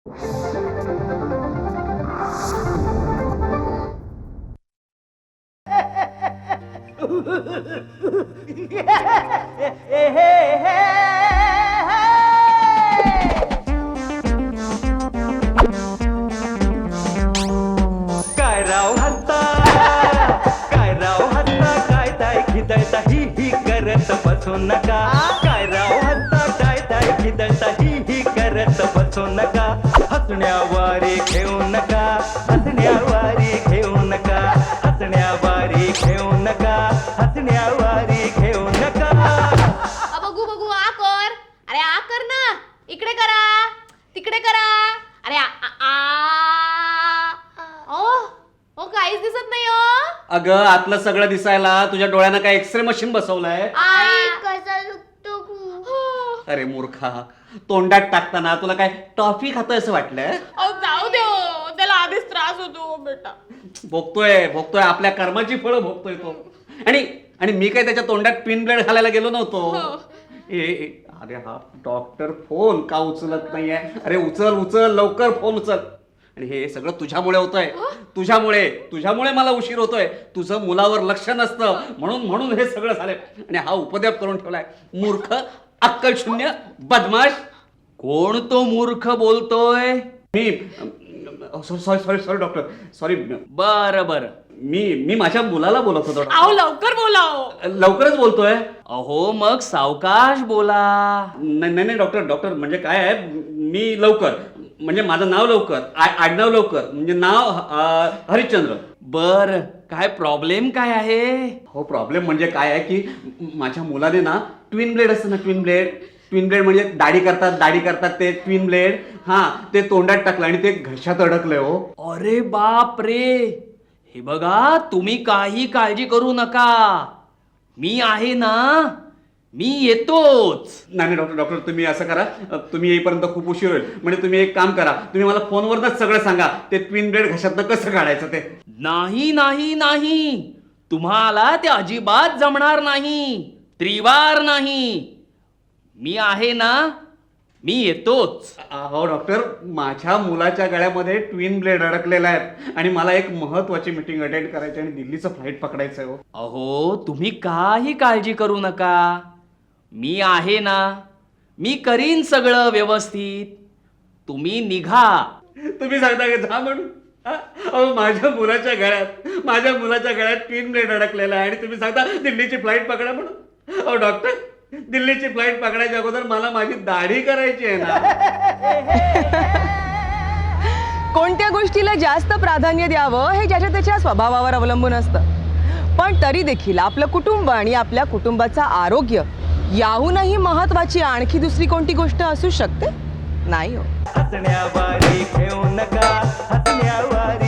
काय राव हत्ता, काय राव हत्ता, काय ताय खिदळता ही करत बसू नका. काय राव हत्ता, काय ताय खिदळता ही करत बसू नका. हसण्यावारे घेऊ नका, हसण्यावारे घेऊ नका, हसण्यावारे घेऊ नका, हसण्यावारे घेऊ नका. बघू बघू आ कर. अरे आ कर ना, इकडे करा, तिकडे करा. अरे ओ काहीच दिसत नाही हो. अगं आतलं सगळं दिसायला तुझ्या डोळ्यांना काय एक्सरे मशीन बसवलंय? आई कसा दुखतो खूप. अरे मूर्खा, तोंडात टाकताना तुला काय टॉफी खातोय असं वाटलंय? जाऊ दे, त्याला आधीच त्रास होतो बेटा. भोगतोय आपल्या कर्माची फळं भोगतोय तो. आणि मी काय त्याच्या तोंडात पिन ब्लेड घालायला गेलो नव्हतो. अरे हा डॉक्टर फोन का उचलत नाहीये? अरे उचल लवकर फोन उचल. आणि हे सगळं तुझ्यामुळे होतंय. तुझ्यामुळे मला उशीर होतोय. तुझं मुलावर लक्ष नसतं म्हणून हे सगळं झालंय. आणि हा उपद्रव करून ठेवलाय. मूर्ख, अक्कल शून्य, बदमाश. कोण तो मूर्ख बोलतोय? मी सॉरी डॉक्टर, सॉरी. बर मी माझ्या मुलाला बोलत होतो. आओ लवकर बोलाव. लवकरच बोलतोय. अहो मग सावकाश बोला. नाही डॉक्टर म्हणजे काय आहे, मी लवकर म्हणजे माझं नाव लवकर, आडनाव लवकर, म्हणजे नाव हरिश्चंद्र. बर काय प्रॉब्लेम काय आहे? हो प्रॉब्लेम म्हणजे काय आहे की माझ्या मुलाने ना ट्विन ब्लेड असतं ना, ट्विन ब्लेड म्हणजे दाढी करतात ते ट्विन ब्लेड, ते तोंडात टाकलं आणि ते घशात अडकलंय. हो अरे बाप रे. हे बघा, तुम्ही काही काळजी करू नका. मी आहे ना, मी येतोच. नाही डॉक्टर तुम्ही असं करा, तुम्ही येईपर्यंत खूप उशीर होईल. म्हणजे तुम्ही एक काम करा, तुम्ही मला फोनवरच सगळं सांगा, ते ट्विन ब्लेड घशातनं कसं काढायचं ते. नाही, तुम्हाला ते अजिबात जमणार नाही. त्रिवार नाही. मी आहे ना, मी येतोच. हो डॉक्टर, माझ्या मुलाच्या गळ्यामध्ये ट्विन ब्लेड अडकलेला आहे आणि मला एक महत्वाची मीटिंग अटेंड करायची आणि दिल्लीचं फ्लाईट पकडायचं आहे. अहो तुम्ही काही काळजी करू नका. मी आहे ना, मी करीन सगळं व्यवस्थित. तुम्ही निघा. तुम्ही सांगता का जा म्हणून? अहो माझ्या मुलाच्या गळ्यात ट्विन ब्लेड अडकलेला आहे आणि तुम्ही सांगता दिल्लीची फ्लाईट पकडा म्हणून? अहो डॉक्टर, दिल्लीची फ्लाईट पकडायच्या अगोदर मला माझी दाढी करायची आहे ना. कोणत्या गोष्टीला जास्त प्राधान्य द्यावं हे ज्याच्या त्याच्या स्वभावावर अवलंबून असतं. पण तरी देखील आपलं कुटुंब आणि आपल्या कुटुंबाचं आरोग्य याहूनही महत्वाची आणखी दुसरी कोणती गोष्ट असू शकते? नाही हो. हसण्यावारे घेऊ नका, हसण्यावारे